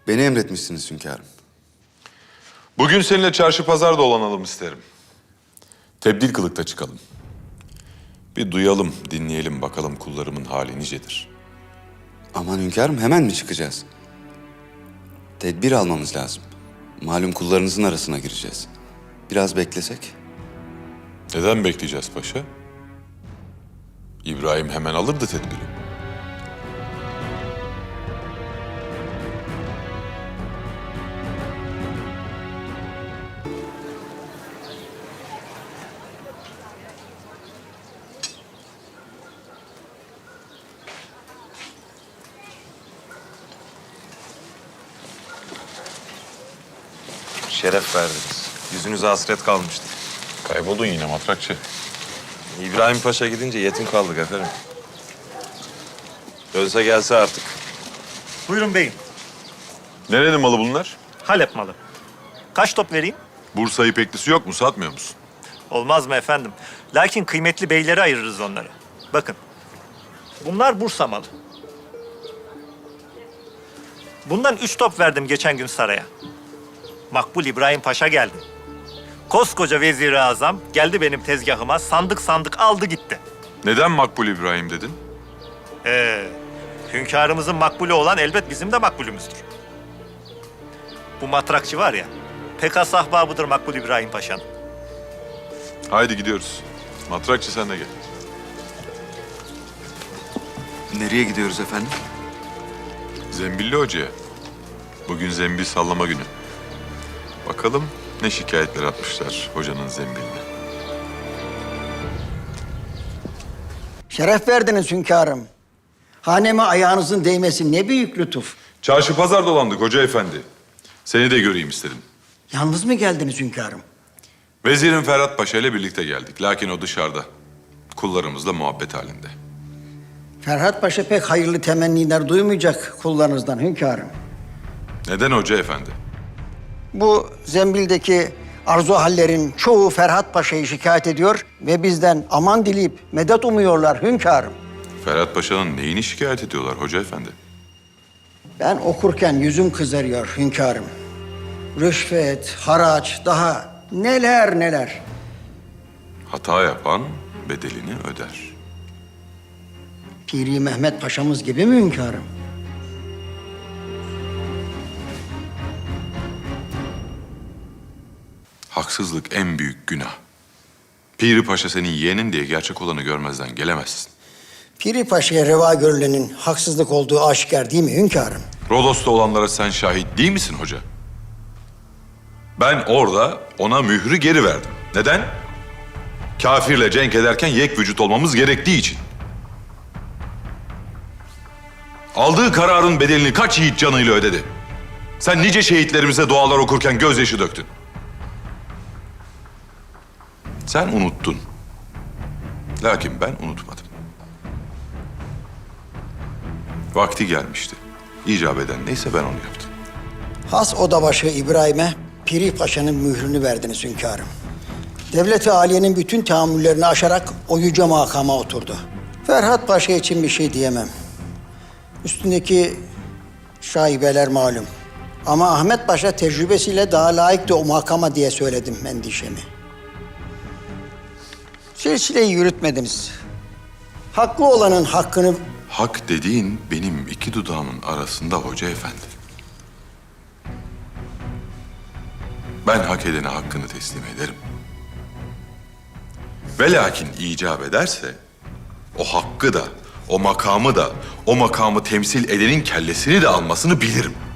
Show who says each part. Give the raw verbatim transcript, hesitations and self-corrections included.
Speaker 1: Beni emretmişsiniz hünkârım.
Speaker 2: Bugün seninle çarşı pazar dolanalım isterim. Tebdil kılıkta çıkalım. Bir duyalım, dinleyelim bakalım kullarımın hali nicedir.
Speaker 1: Aman hünkârım, hemen mi çıkacağız? Tedbir almamız lazım. Malum kullarınızın arasına gireceğiz. Biraz beklesek.
Speaker 2: Neden bekleyeceğiz paşa? İbrahim hemen alırdı tedbiri.
Speaker 3: Şeref verdiniz. Yüzünüze hasret kalmıştı.
Speaker 2: Kayboldun yine matrakçı.
Speaker 3: İbrahim Paşa gidince yetim kaldık efendim. Dönse gelse artık.
Speaker 4: Buyurun beyim.
Speaker 2: Nerenin malı bunlar?
Speaker 4: Halep malı. Kaç top vereyim?
Speaker 2: Bursa ipeklisi yok mu? Satmıyor musun?
Speaker 4: Olmaz mı efendim? Lakin kıymetli beylere ayırırız onları. Bakın. Bunlar Bursa malı. Bundan üç top verdim geçen gün saraya. Makbul İbrahim Paşa geldi. Koskoca Vezir-i Azam geldi benim tezgahıma, sandık sandık aldı gitti.
Speaker 2: Neden Makbul İbrahim dedin?
Speaker 4: Ee, hünkârımızın makbulü olan elbet bizim de makbulümüzdür. Bu matrakçı var ya, pek has ahbabıdır Makbul İbrahim Paşa'nın.
Speaker 2: Haydi gidiyoruz. Matrakçı sen de gel.
Speaker 1: Nereye gidiyoruz efendim?
Speaker 2: Zembilli Hoca'ya. Bugün zembil sallama günü. Bakalım ne şikayetler atmışlar hocanın zembiline.
Speaker 5: Şeref verdiniz hünkârım. Haneme ayağınızın değmesi ne büyük lütuf.
Speaker 2: Çarşı pazar dolandık hoca efendi. Seni de göreyim istedim.
Speaker 5: Yalnız mı geldiniz hünkârım?
Speaker 2: Vezirin Ferhat Paşa ile birlikte geldik. Lakin o dışarıda. Kullarımızla muhabbet halinde.
Speaker 5: Ferhat Paşa pek hayırlı temenniler duymayacak kullarınızdan hünkârım.
Speaker 2: Neden hoca efendi?
Speaker 5: Bu zembildeki arzu hallerin çoğu Ferhat Paşa'yı şikayet ediyor ve bizden aman dileyip medet umuyorlar hünkârım.
Speaker 2: Ferhat Paşa'nın neyini şikayet ediyorlar hoca efendi?
Speaker 5: Ben okurken yüzüm kızarıyor hünkârım. Rüşvet, haraç, daha neler neler.
Speaker 2: Hata yapan bedelini öder.
Speaker 5: Piri Mehmet Paşa'mız gibi mi hünkârım?
Speaker 2: Haksızlık en büyük günah. Piri Paşa senin yeğenin diye gerçek olanı görmezden gelemezsin.
Speaker 5: Piri Paşa'ya reva görülenin haksızlık olduğu aşikar değil mi hünkârım?
Speaker 2: Rodos'ta olanlara sen şahit değil misin hoca? Ben orada ona mührü geri verdim. Neden? Kafirle cenk ederken yek vücut olmamız gerektiği için. Aldığı kararın bedelini kaç yiğit canıyla ödedi? Sen nice şehitlerimize dualar okurken gözyaşı döktün. Sen unuttun. Lakin ben unutmadım. Vakti gelmişti. İcap eden neyse ben onu yaptım.
Speaker 5: Has odabaşı İbrahim'e Piri Paşa'nın mührünü verdiniz hünkârım. Devlet-i Aliye'nin bütün tahammüllerini aşarak o yüce makama oturdu. Ferhat Paşa için bir şey diyemem. Üstündeki şaibeler malum. Ama Ahmet Paşa tecrübesiyle daha layıktı o makama diye söyledim endişemi. Silsileyi yürütmediniz. Hakkı olanın hakkını...
Speaker 2: Hak dediğin benim iki dudağımın arasında hoca efendi. Ben hak edene hakkını teslim ederim. Ve lakin icap ederse o hakkı da, o makamı da, o makamı temsil edenin kellesini de almasını bilirim.